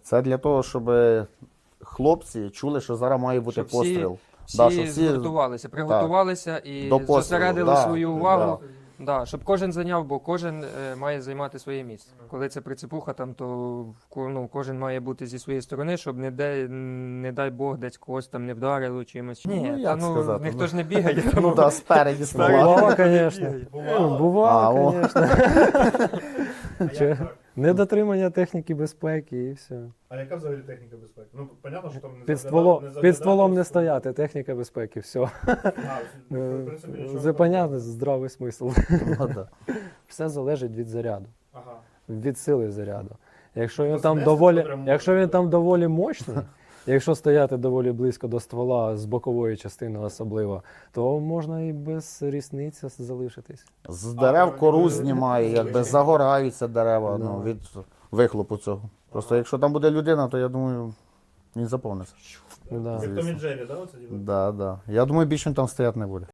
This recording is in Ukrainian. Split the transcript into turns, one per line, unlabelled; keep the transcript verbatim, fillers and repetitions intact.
Це для того, щоб хлопці чули, що зараз має бути
Щоб всі-
постріл.
Всі,
Да, щоб всі-
згуртувалися, приготувалися і
До пострілу,
зосередили
да,
свою увагу. Да, щоб кожен зайняв, бо кожен е, має займати своє місце. Коли це прицепуха, там, то в ко- ну, кожен має бути зі своєї сторони, щоб не, де, не дай Бог десь когось там не вдарило чимось. Ні,
Ну,
та,
як
ну,
сказати,
ніхто
ну.
ж не бігає.
Ну
тому-
так, спереді
Спереді.
смола.
Бувало, звісно.
Бувало?
А,
Бувало,
о.
звісно.
А як
Чи-
так?
Недотримання техніки безпеки і все.
А яка взагалі техніка безпеки? Ну, понятно, що там не
Під,
заглядати-
стволом,
не
під
заглядати
стволом не
в-
стояти, техніка безпеки, все.
А, в принципі, нічого
Це понятно, здравий смисл.
Ну, да.
Все залежить від заряду,
Ага.
від сили заряду. Якщо він
Тобто
там
знести
доволі,
прям
якщо
можна,
він там доволі мощний, якщо стояти доволі близько до ствола, з бокової частини особливо, то можна і без різниці залишитись.
З дерев кору
вони
знімає,
не
якби
звичайні.
загораються дерева ну,
Да.
від вихлопу цього. Просто якщо там буде людина, то я думаю, він заповниться.
Ну, да.
Як Том і Джері, да, оце діло?
Да, да. Я думаю, більше він там стояти не буде.